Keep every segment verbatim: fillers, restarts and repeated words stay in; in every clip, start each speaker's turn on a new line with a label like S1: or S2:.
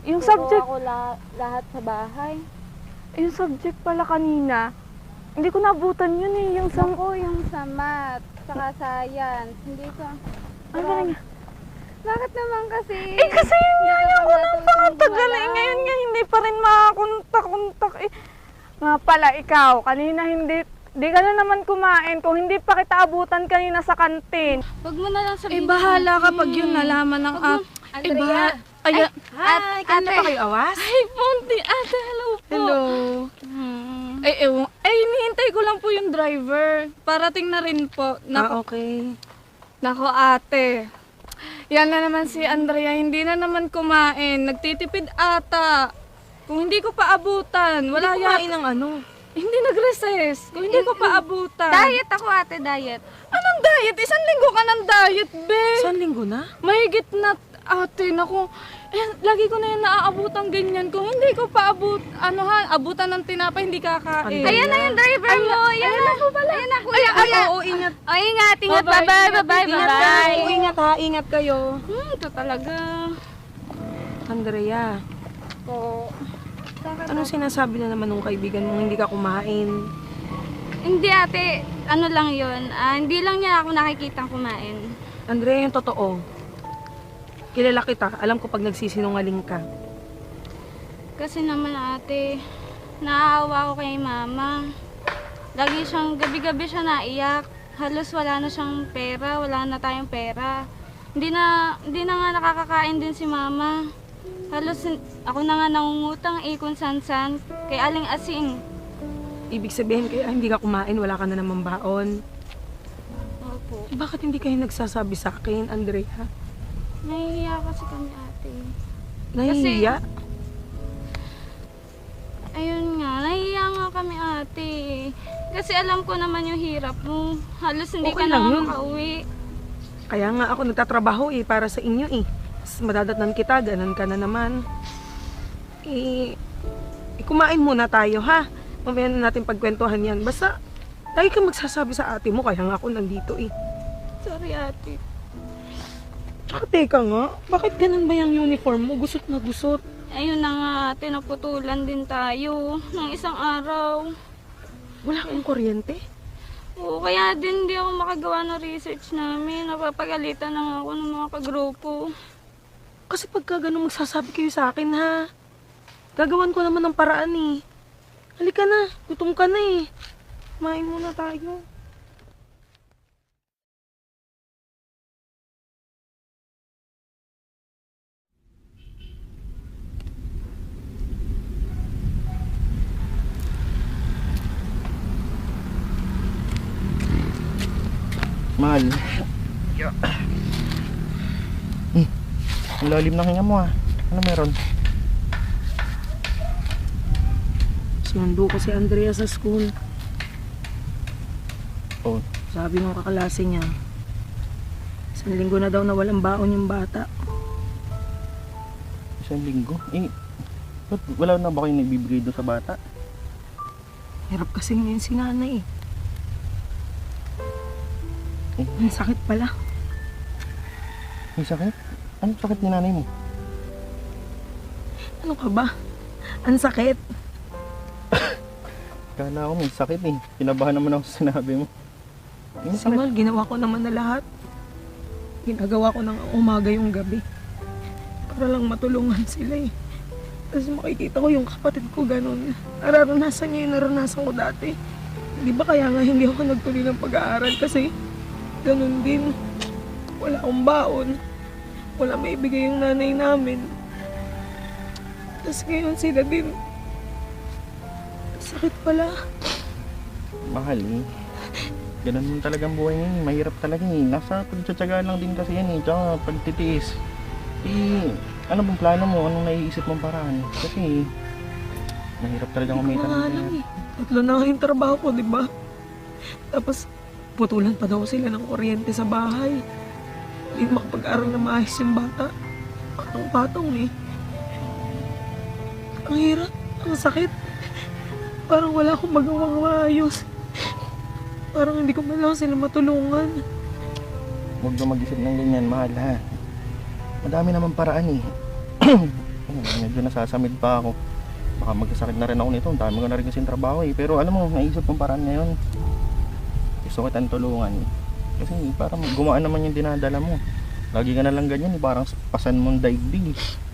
S1: Yung
S2: Turo
S1: subject,
S2: ako la- lahat sa bahay.
S1: yung subject pala kanina, hindi ko nabutan yun eh. Yung sa...
S2: Ako yung sa math, saka science. Hindi ko.
S1: Ano ba nga?
S2: Bakit naman kasi?
S1: Eh kasi yun nga
S2: Hindi
S1: yung
S2: ka pa
S1: unang
S2: matutong
S1: pangatagal eh.
S2: gumawa.
S1: Ngayon nga hindi pa rin makakontak-kontak eh. Nga pala ikaw, kanina hindi, di ka na naman kumain kung hindi pa kita abutan kanina sa kantin.
S2: Wag mo na lang
S1: Eh
S2: sabihin.
S1: bahala
S2: sa akin.
S1: kapag yun nalaman ng
S2: Wag mo-
S1: at... Eh
S2: Andrea.
S1: bahala... Ay,
S2: Ay,
S3: Hi, kanina
S2: ate.
S3: pa kayo awas?
S1: ay, Ponti, ate, hello po.
S3: Hello.
S2: Hmm.
S1: Ay, ewan, ay, hinihintay ko lang po yung driver. Parating na rin po.
S3: Ah,
S1: Nako,
S3: okay.
S1: nako ate. Yan na naman si Andrea, hindi na naman kumain. Nagtitipid ata. Kung hindi ko pa abutan, wala
S3: Hindi
S1: yan.
S3: kumain ng ano.
S1: Hindi nag-recess. Kung hindi ko pa abutan.
S2: Diet ako ate, diet.
S1: Anong diet? Isang linggo ka ng diet, be.
S3: Isang linggo na?
S1: Mahigit na, ate, naku. Eh, lagi ko na yan naaabutan ganyan. Kung hindi ko pa abut, ano ha, abutan ng tinapay, hindi kakain.
S3: Andrea.
S2: Ayan na yung driver mo. Ayan na. Ayan na, kuya.
S1: Ay,
S2: kuya.
S1: ay,
S3: Oo, ingat.
S2: O, ingat, ingat.
S1: Bye-bye.
S2: Bye-bye, bye-bye,
S3: Ingat
S2: bye-bye.
S3: kayo. Ingat ha, ingat kayo.
S1: Hmm, ito talaga.
S3: Andrea,
S2: Po.
S3: anong sinasabi na naman ng kaibigan mong hindi ka kumain?
S2: Hindi ate, ano lang yun. Ah, hindi lang niya ako nakikitang kumain.
S3: Andrea, yung totoo. Kilala kita. Alam ko pag nagsisinungaling ka.
S2: Kasi naman ate, naaawa ko kay mama. Lagi siyang, gabi-gabi siya naiyak. Halos wala na siyang pera, wala na tayong pera. Hindi na, hindi na nga nakakakain din si mama. Halos hin- ako na nga nangungutang eh kung san-san kay Aling Asing.
S3: Ibig sabihin kaya hindi ka kumain, wala ka na naman baon.
S2: Opo.
S3: Eh, bakit hindi kayo nagsasabi sa akin, Andrea?
S2: Nahihiya kasi kami ate.
S3: Nahihiya?
S2: Ayun nga, nahihiya nga kami ate. Kasi alam ko naman yung hirap mo. Halos hindi
S3: Okay
S2: ka
S3: lang
S2: na
S3: yun.
S2: makauwi.
S3: Kaya nga ako nagtatrabaho eh, para sa inyo eh. Tapos madadatnan kita, ganun ka na naman. Eh, eh, kumain muna tayo ha. Mamaya na natin pagkwentuhan yan. Basta, lagi kang magsasabi sa ate mo, kaya nga ako nandito eh.
S2: Sorry ate.
S3: Tsaka teka nga, bakit ganun ba yung uniform mo? Gusot na gusot.
S2: Ayun na nga ate, naputulan din tayo ng isang araw.
S3: Wala kang kuryente?
S2: Oo, kaya din hindi ako makagawa ng research namin. Napapagalitan na nga ako ng mga kagrupo.
S3: Kasi pagka ganun magsasabi kayo sa akin ha. Gagawan ko naman ng paraan eh. Halika na, gutom ka na eh. Kumain muna tayo.
S4: Mahal. Hmm. Ang lalim ng hinga mo ah. Ano meron?
S3: Sinundo ko si Andrea sa school.
S4: Oh,
S3: Sabi ng kaklase niya, isang linggo na daw na walang baon yung bata.
S4: isang linggo. Eh, ba't wala na ba kayong nagbibigay doon sa bata?
S3: Hirap kasi ngayon si nanay eh.
S4: Eh,
S3: Ang sakit pala.
S4: may sakit? Anong sakit ni nanay mo?
S3: Ano ka ba? Ang sakit.
S4: Kala ko may sakit eh. Kinabahan naman ako sa sinabi mo. May sakit.
S3: Simal, ginawa ko naman na lahat. Ginagawa ko ng umaga yung gabi. Para lang matulungan sila eh. Kasi makikita ko yung kapatid ko ganun. Nararanasan niya yung naranasan ko dati. Di ba kaya nga hindi ako nagtuloy ng pag-aaral kasi ganun din. Wala akong baon. Wala maibigay yung nanay namin. Tapos ngayon sila din. Sakit pala.
S4: Mahal eh. Ganun mo talagang buhay ngayon. Mahirap talaga eh. Nasa pagtsatsagaan lang din kasi yan eh. Tsaka pagtitiis. Eh, ano bang plano mo? Anong naiisip mong paraan? Kasi, mahirap talaga
S3: Hindi ko
S4: kumita
S3: nga
S4: ng
S3: alam
S4: pera.
S3: eh. Tatlo na nga yung trabaho ko, di ba? Tapos, putulan pa daw sila ng kuryente sa bahay. Hindi makapag-aral na maayos yung bata. Patong-patong eh. Ang hirap, ang sakit. Parang wala akong magawang maayos. Parang hindi ko man lang sila matulungan.
S4: Huwag na mag-isip ng ganyan, mahal ha. Madami naman paraan eh. Ayun, medyo nasasamid pa ako. Baka magkasakit na rin ako nito. Ang dami ko na rin kasing trabaho eh. Pero alam mo, naisip kong paraan ngayon. Gusto kitang tulungan. Kasi parang gumaan naman yung dinadala mo. Lagi ka na lang ganyan eh. Parang pasan mong daigdig.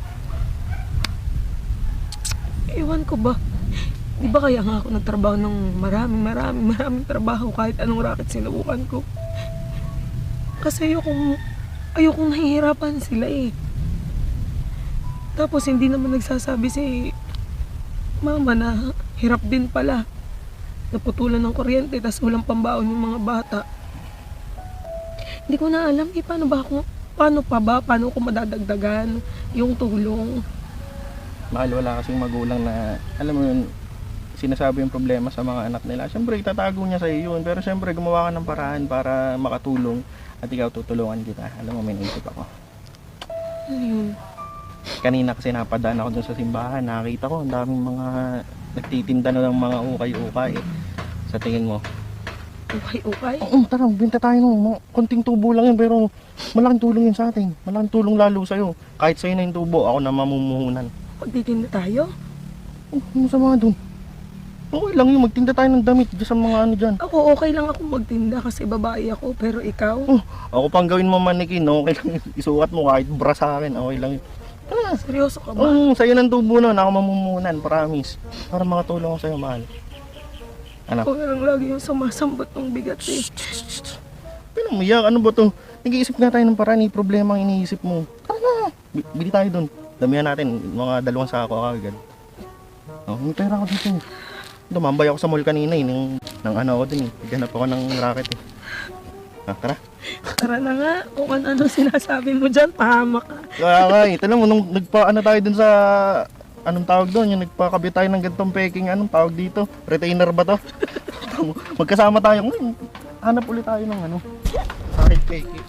S3: Ewan ko ba? Di ba kaya nga ako nagtrabaho ng maraming maraming maraming trabaho kahit anong racket sinubukan ko? Kasi ayokong, ayokong nahihirapan sila eh. Tapos hindi naman nagsasabi si mama na hirap din pala. Naputulan ng kuryente tapos walang pambaon yung mga bata. Hindi ko na alam eh, paano ba ako, paano pa ba, paano ko madadagdagan yung tulong.
S4: Mahal, wala kasing magulang na, alam mo yun, sinasabi yung problema sa mga anak nila. Siyempre, itatago niya sa iyo yun. Pero siyempre, gumawa ka ng paraan para makatulong at ikaw tutulungan kita. Alam mo, may naisip ako.
S3: Ano yun?
S4: Kanina kasi napadaan ako dun sa simbahan. Nakakita ko, ang daming mga nagtitinda na ng mga ukay-ukay. Sa tingin mo?
S3: Ukay-ukay?
S4: Oo, tara, binta tayo ng mga konting tubo lang yun. Pero malaking tulong yun sa atin. Malaking tulong lalo sa'yo. Kahit sa'yo na yung tubo, ako na mamumuhunan.
S3: Magtitinda tayo?
S4: Oh, ano sa mga dun? Okay lang yun, magtinda tayo ng damit dyan sa mga ano dyan.
S3: Ako okay lang ako magtinda kasi babae ako, pero ikaw?
S4: Oh, ako pang gawin mo manikin, okay lang yun. Isukat mo kahit bra sa akin, okay lang yun. Tara.
S3: Seryoso ka ba?
S4: Oo, sa'yo ng tubo nun, ako mamumunan, promise. Para makatulong ako sa'yo, mahal. Anak.
S3: Ako lang lagi yung sumasambot ng bigat eh.
S4: Pinamiyak, ano ba to? Nag-iisip nga tayo ng paraan, eh, problema ang iniisip mo. Tara na, B- bili tayo dun. Damihan natin, mga dalawang sako agad. Oh, may pera ako dito. Dumambay ako sa mall kanina eh, ng, ng ano ako dun eh. Naghanap ako ng racket eh. Ah, tara.
S3: Tara na nga, kung ano sinasabi mo dyan, pahamak ka.
S4: Kaya nga eh, tala mo, nung nagpa ano tayo dun sa, anong tawag doon, yung nagpakabit tayo ng gantong peking, anong tawag dito? Retainer ba to? Magkasama tayo, hmm, hanap ulit tayo ng ano, racket peking.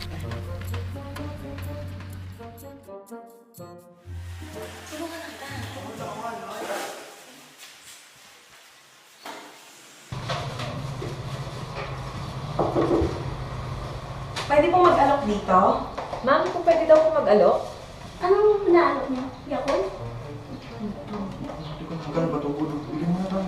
S5: Pwede po mag-alok dito?
S6: Ma'am, kung pwede daw po mag-alok?
S5: Anong naalok niyo? Yakult?
S4: Magkano ba ito? Bigyan mo na tayo.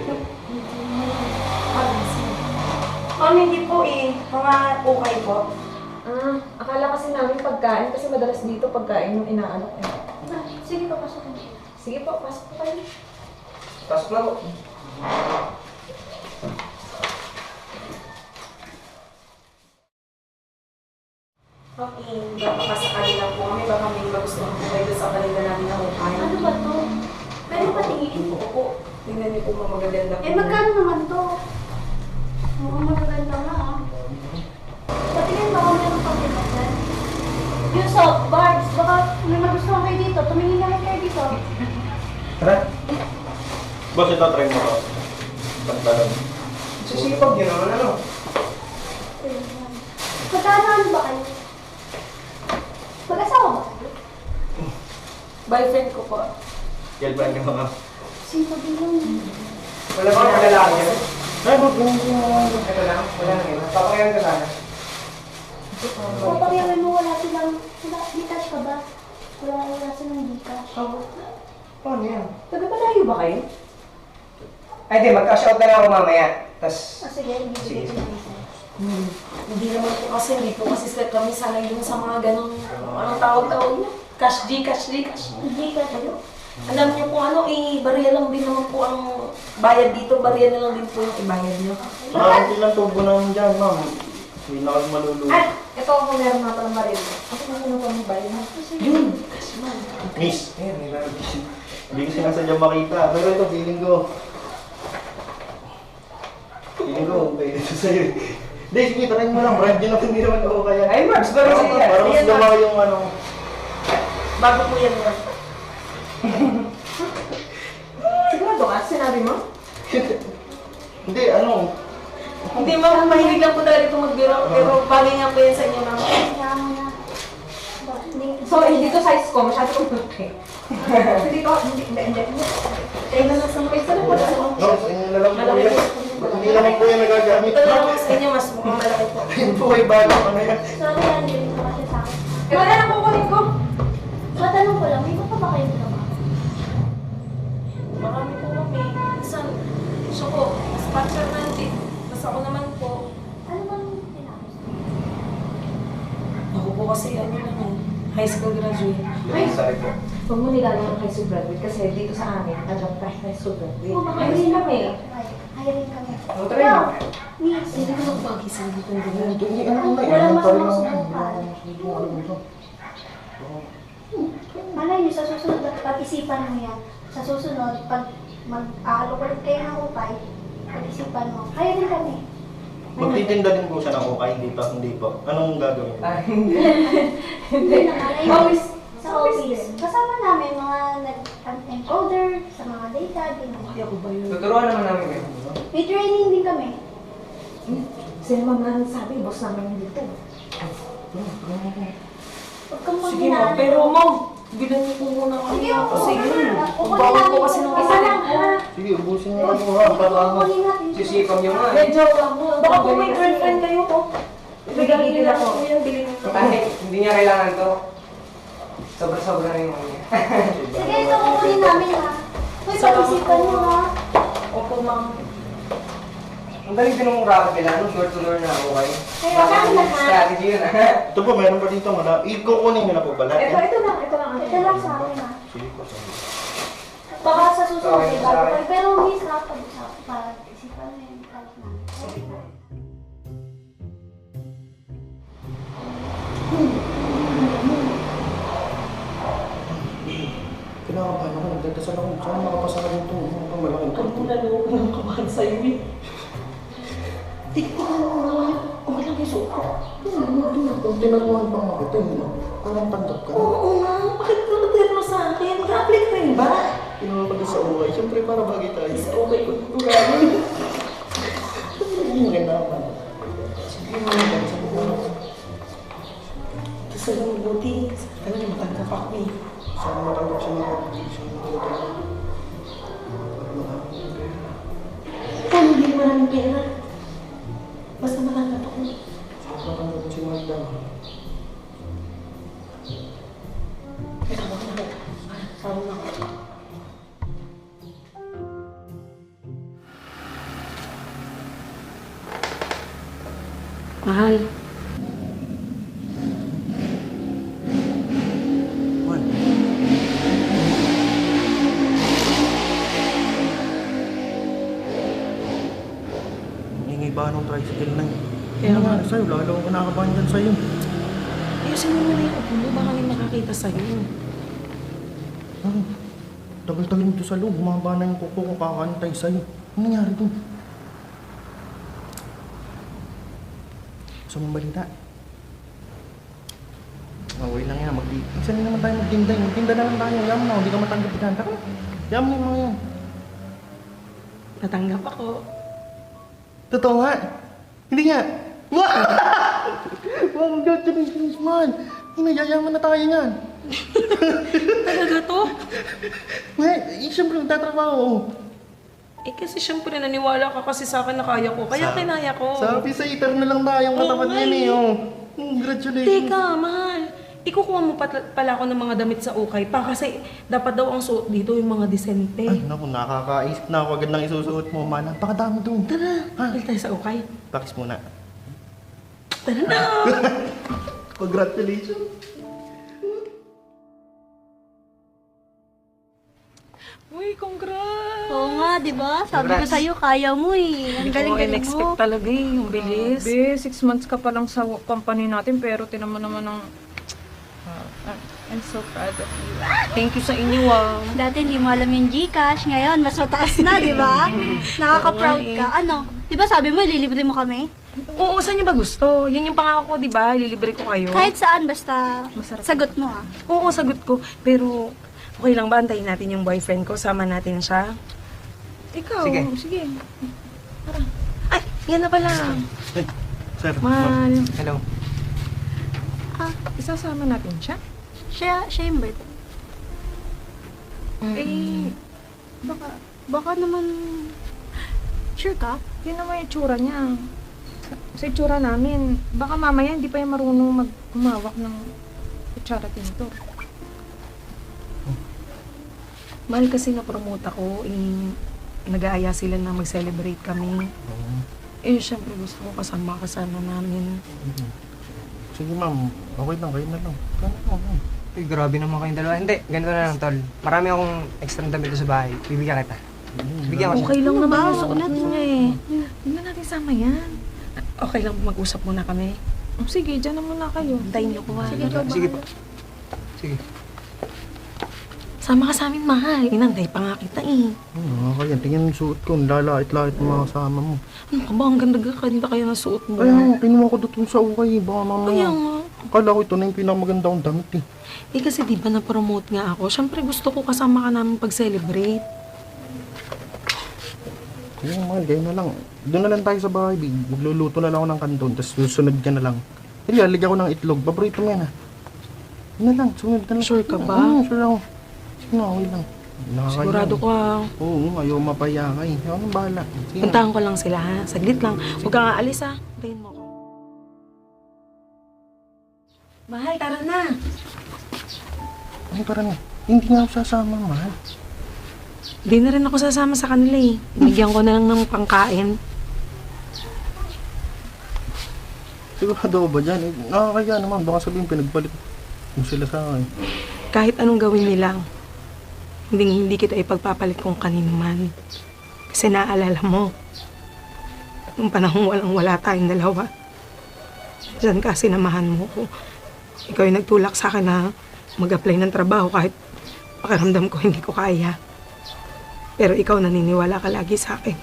S5: Oh, hindi po eh. Mga ukay po.
S6: Ah, akala kasi namin pagkain kasi madalas dito pagkain yung inaalok eh.
S5: Ah, sige po, pasok niyo.
S6: Sige po, pasok po kayo.
S4: Pasok na po.
S5: Okay, baka sakali lang po kami. Baka may magustuhan po kayo sa kalinda namin na ukay.
S7: Ano ba to? Pwede patingin?
S5: Opo. Tingnan niyo po mga magaganda po.
S7: Eh, magkano naman to? Mukhang magaganda nga ah. Patingin ba kung meron pang pinagdan? Yung soft bars, baka may magustuhan kayo dito. Tumingin na kayo dito.
S4: Tara. Boss, ito, try mo to. Pantalon.
S5: Sisipag yun naman ano?
S7: Magkano ano ba kayo? Mag-asawa ba kayo?
S5: Boyfriend ko po.
S4: Girlfriend ka mga.
S7: Sino din yun?
S8: Wala ba ang lalaki yan?
S4: Ay, boss, ganun ko mga.
S8: Ito lang, wala nang iba. Papakayan ka sana.
S7: Papakyawan mo, wala silang, wala, Gcash ka ba? Wala, wala silang Gcash.
S8: Paano yan?
S5: Taga-palayo ba kayo?
S8: Ay di, mag-cash out na lang ako mamaya. Tapos,
S7: Ah, sige, hindi
S8: Sige,
S7: sige.
S8: sige.
S5: Hmm. Hindi naman po kasi, hindi po kasi sila kami sanay dun sa mga ganong, anong tawag-tawag niya? Cash G, Cash G, Cash G.
S7: Gcash kayo?
S5: Alam niyo po ano, eh, bariya lang din naman po ang bayad dito, bariya na lang din po yung ibayad niyo.
S4: Ah, hindi lang tubo naman dyan, ma'am. Hindi na kami maluluto.
S5: At, ito ako meron nga palang baril. Ako na muna po ang bayad mo. Yun, cash man.
S4: Miss,
S8: ayun, may bago.
S4: hindi ko sinasadya makita. Pero ito, feeling ko. Feeling ko, pwede ito sa'yo. Hindi, sige, try mo lang. Brand yun ako, hindi naman ako kaya.
S8: Ay, Marbs, bago
S4: Para-
S8: sa'yo yan.
S4: Para mas
S5: Ayan,
S4: gama yung ano.
S5: Bago po yan yan. Sigurado ka, sinabi mo?
S4: Hindi, ano.
S5: Hindi ma'am, mahilig lang po talaga ito magbiro, pero bagay nga po yan sa inyo ma'am.
S7: Kaya mo na. Ba, hindi-
S6: So, hindi to size ko, masyado kong malaki. Hindi to, hindi, hindi, hindi.
S5: Kaya na lang sa mga isa lang po sa mga.
S4: No, sa inyo na lang po
S5: Malaki
S4: yan.
S5: po.
S4: Hindi naman po yan nagagamit.
S5: Ito na lang sa inyo, mas mukhang malaki po.
S4: Ayun po ay bago. Ano yan?
S7: Sorry, hindi rin naman siya sa akin.
S6: Ito na lang kukunin ko.
S7: Matanong ko lang, may iba pa ba kayo trabaho?
S5: High school graduate.
S8: Ay, sorry po.
S5: Huwag mo nilalang ang high school graduate kasi dito sa amin, alam ka high school graduate.
S7: Oo, baka
S5: Ayun
S7: hindi
S5: kami.
S7: Hiring kami.
S8: Ano try mo?
S7: Miss,
S5: Hindi ko lang mag-isang dito ng ganyan.
S7: walang mas masusubukan. Malay niyo, sa susunod, pag-isipan mo yan. Sa susunod, pag mag-aalok ulit kayo ng upay, pag-isipan mo. Hiring kami.
S4: Magtitinda din po siya ng ukay, hindi pa, hindi po. Anong gagawin?
S8: Ah, hindi.
S7: Hindi na malay
S5: Office.
S7: Sa office. Kasama namin mga nag-encoder, sa mga data, ganyan.
S5: Hindi ako ba yun?
S8: Tuturuan naman namin kayo.
S7: May training din kami.
S5: Sino ma'am na sabi, boss namin dito.
S7: Huwag kang
S5: Sige ma'am,
S7: maghinaan.
S5: pero ma'am, bilan niyo po muna kami.
S7: Sige, oo.
S5: Kasi yun,
S7: Kukunin
S5: bawal
S7: natin.
S5: po kasi ng
S7: Isa lang, ha?
S4: Sige, ubusin niyo ako ha, para ano.
S7: Kukunin natin.
S8: Sisipag nyo nga.
S5: Medyo lang mo. Baka po may girlfriend kayo po. Ibigay niyo lang po yan, bilhin niyo.
S8: Kahit hindi niya kailangan to. Sobra-sobra na yung ano niya.
S7: Sige, ito kukunin namin, ha? Uy,
S5: Salamat
S7: pag-isipan
S5: po.
S7: mo, ha?
S5: Opo ma'am.
S8: Ang galing din ng racket nila, no? Short to learn na ako kayo.
S7: Kaya kami lahat.
S8: Strategy yun, ha?
S4: Ito po, meron pa dito. Mala. Ikukunin niyo na po ba lahat
S5: Ito,
S4: yan?
S5: ito lang, ito lang.
S7: Ito lang sa akin, ha?
S4: Sige po, sige.
S7: Baka sa susunod,
S8: Okay,
S7: eh,
S8: sa
S7: bago
S8: akin.
S7: kayo. Pero miss, ha? Pag-usap, pag-isipan mo yung kahit na.
S4: Kinakabahan ako, nagdadasal ako. Saan makapasa ka dito? Ano pa malaking
S5: Huwag mo na loob ng kabahan sa'yo eh. Tingnan mo naman yun. Kung walang isuot ko.
S4: Kung tinaruhan pa nga kita, eh, parang tanggap ka.
S5: Oo nga, bakit ka nag-tira sa akin? Mag-apply ka rin ba?
S4: Kinuha pa doon sa ukay. Siyempre, para bagay tayo.
S5: Is okay ko ito gano'n.
S4: Hindi maganda naman. Sige mo, bagay sa buhay.
S5: Gusto lang mabuti. Talaga matanggap ako eh.
S4: Sana matanggap siya mga competition.
S5: Kung hindi maraming pera, basta matanggap ako.
S4: Sana matanggap si Magda.
S5: Ay, tawag na ako. Tawag na ako. Mahal.
S4: Man. Hingi ba nung tricycle na yun?
S5: Kaya
S4: Ano
S5: nga.
S4: nga sa'yo? Lalo ako nakakabahan dyan sa'yo.
S5: Ayusin mo na yung upo mo, baka may makakita sa'yo.
S4: Ano? Tagal-tagal nito sa loob. Bumaba na yung kuko ko kakantay sa'yo. Ano nangyari dun? Gusto mong balita? Okay lang yan. Magdi... Isa na naman tayo magtinda. Magtinda na lang tayo. Yaman na. Hindi ka matanggap dyan. Taka na. Yaman na yung mga yan.
S5: Natanggap ako.
S4: Totoo nga. Hindi nga. Wow! Wow, congratulations man. Hinayayaman na tayo yan.
S5: Talaga to?
S4: Well, eh, siyempre magtatrabaho.
S3: Eh kasi syempre naniwala ka kasi sa akin na kaya ko. Kaya
S4: Sa-
S3: kinaya ko.
S4: Sabi sa iter na lang tayong katapat
S3: Oo,
S4: yan
S3: ay.
S4: eh. Oh. Congratulations.
S3: Teka, mahal. Ikukuha mo pat- pala ako ng mga damit sa ukay pa kasi dapat daw ang suot dito yung mga disente.
S4: Ay, naku, nakakaisip na ako agad ng isusuot mo, man. Napakadami doon.
S3: Tara,
S4: Ha?
S3: balik tayo sa ukay.
S4: Pakis muna.
S3: Tara na!
S4: Congratulations.
S3: Uy, congrats!
S7: Oo nga, di ba? Sabi ko sa'yo, kaya mo eh. Ang galing-galing mo.
S3: talaga eh, yung bilis.
S1: Be, six months ka pa lang sa company natin, pero tinan mo naman ang... Ah, I'm so proud of you.
S3: Thank you sa inyo ah.
S7: Dati hindi mo alam yung Gcash, ngayon mas mataas na, di ba? Nakaka-proud ka. Ano? Di ba sabi mo, ililibre mo kami?
S3: Oo, saan niyo ba gusto? Yan yung pangako ko, di ba? Lilibre ko kayo.
S7: Kahit saan, basta
S3: Masarap.
S7: sagot mo ah.
S3: Oo, sagot ko. Pero, okay lang ba? Antayin natin yung boyfriend ko. Sama natin siya. Ikaw,
S8: Sige.
S3: sige. Tara. Ay, yan na pala.
S4: Ay, sir.
S3: Mahal.
S8: Hello.
S3: Ah, isasama natin siya?
S7: Siya, siya yung birthday.
S3: Eh,
S1: Baka,
S7: Baka naman, sure ka?
S1: yun naman yung tsura niya. Sa, sa itsura namin, baka mamaya hindi pa yung marunong mag humawak ng kutsara tintor.
S3: mahal kasi na-promote ako. Eh, nag-aaya sila na mag-celebrate kami. Eh, syempre gusto ko kasama kasama namin.
S4: Sige ma'am, okay lang, kayo na lang. Kayo na lang, ma'am.
S8: Uy, grabe naman kayong dalawa. Hindi, ganito na lang, tol. Marami akong extra damit sa bahay. Bibigyan kita. Bigyan ko siya.
S3: Okay lang naman yung suot niya eh. Hindi na natin sama yan. Okay lang mag-usap muna kami. Oh, sige, dyan na muna kayo. Hintayin niyo ko ha.
S6: Sige, ikaw
S8: Sige
S6: bahala.
S8: po. Sige.
S3: Sama ka sa amin, mahal. Inantay pa nga kita eh.
S4: Oo, kaya tingnan yung suot ko, lalait-lait ng mga kasama mo.
S3: Ano ka ba? Ang ganda-ganda kaya ng suot mo.
S4: Kaya nga, kinuha ko doon sa ukay, baka
S3: Kaya
S4: mamaya.
S3: nga.
S4: Akala ko ito na yung pinakamaganda kong damit eh.
S3: Eh kasi di ba na-promote nga ako? Siyempre gusto ko kasama ka namin pag-celebrate.
S4: Kaya mahal, kayo na lang. Doon na lang tayo sa bahay, big. Magluluto na lang ako ng kanton, tapos susunod ka na lang. Hindi, aligyan ko ng itlog. Paborito mo yan ha. Yun na lang, sumunod na lang.
S3: Sure ka ba?
S4: Oo, sure ako. Sige na, okay lang. Nakakaya.
S3: Sigurado ko ha.
S4: Oo, ayaw mapaya ka eh. Ako nang bahala. Sige na.
S3: Puntahan ko lang sila ha. Saglit lang. Huwag kang aalis ha. Hintayin mo ako. Mahal, tara na.
S4: Ano para na? Hindi nga ako sasama, mahal.
S3: Di na rin ako sasama sa kanila eh. Binigyan ko na lang ng pangkain.
S4: Sigurado ko ba dyan? Eh, nakakaya naman. Baka sabihin pinagpalit mo sila sa akin.
S3: Kahit anong gawin nila, hindi, hindi kita ipagpapalit kung kanino man. Kasi naaalala mo, nung panahon walang wala tayong dalawa, diyan ka sinamahan mo ko. Ikaw yung nagtulak sa akin na mag-apply ng trabaho kahit pakiramdam ko hindi ko kaya. Pero ikaw naniniwala ka lagi sa akin.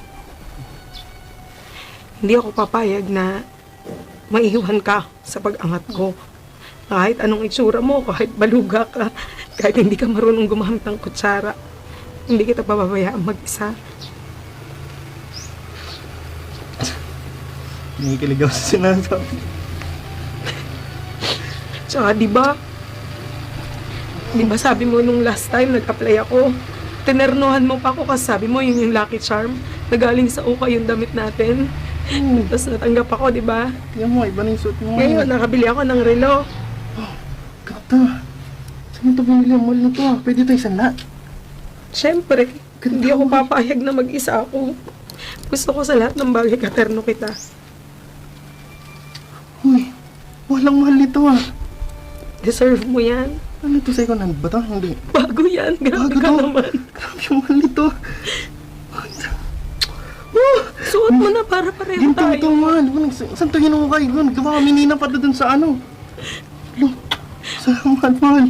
S3: Hindi ako papayag na maiwan ka sa pag-angat ko. Kahit anong itsura mo, kahit baluga ka, kahit hindi ka marunong gumamit ng kutsara, hindi kita pababayaan mag-isa.
S4: Kinikilig ako sa sinasabi.
S3: Tsaka di ba? Di ba sabi mo nung last time nag-apply ako, tinernohan mo pa ako kasi sabi mo yun yung lucky charm na galing sa uka yung damit natin.
S4: Hmm.
S3: Tapos natanggap ako, di ba?
S4: Yan mo, iba na yung suot mo.
S3: Ngayon, nakabili ako ng relo.
S4: Ganda. Saan ito bumili ang mall na to ah? Pwede ito isang lahat.
S3: Siyempre, hindi ako papayag na mag-isa ako. Gusto ko sa lahat ng bagay katerno kita.
S4: Uy, walang mahal nito ah.
S3: Deserve mo yan.
S4: Ano ito, second hand ba ito? Hindi.
S3: Bago yan. Grabe
S4: Bago
S3: ka
S4: to.
S3: naman.
S4: Grabe yung mahal nito.
S3: Suot mo na para pareho
S4: Ginto
S3: tayo.
S4: ito mahal. Ano, sa- Saan ito hinukay? Gun, gawa kami nina pa doon sa ano. Lo, salamat mahal.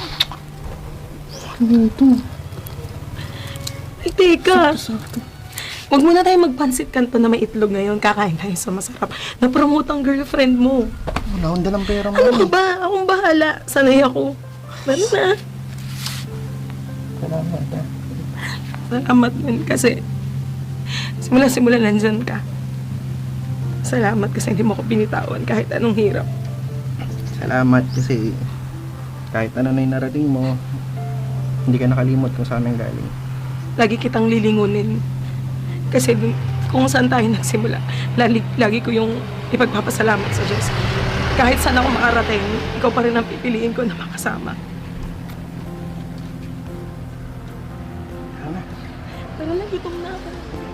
S4: Ano ito?
S3: Ay, teka.
S4: Sakto.
S3: Huwag muna tayo magpansit kanto na may itlog ngayon. Kakain tayo sa masarap. Na-promote ang girlfriend mo.
S4: Wala akong dalang pera
S3: Ano
S4: mahal.
S3: ka ba? Akong bahala. Sanay ako. Lalo na.
S4: Salamat ah.
S3: Salamat din kasi simula-simula nandyan ka. Salamat kasi hindi mo ko binitawan kahit anong hirap.
S4: Salamat kasi kahit ano na yung narating mo, hindi ka nakalimot kung saan ang galing.
S3: Lagi kitang lilingunin. Kasi dun, kung saan tayo nagsimula, lagi, lagi ko yung ipagpapasalamat sa Diyos. Kahit saan ako makarating, ikaw pa rin ang pipiliin ko na makasama.
S4: Tama.
S3: Tara na, gutom na ako.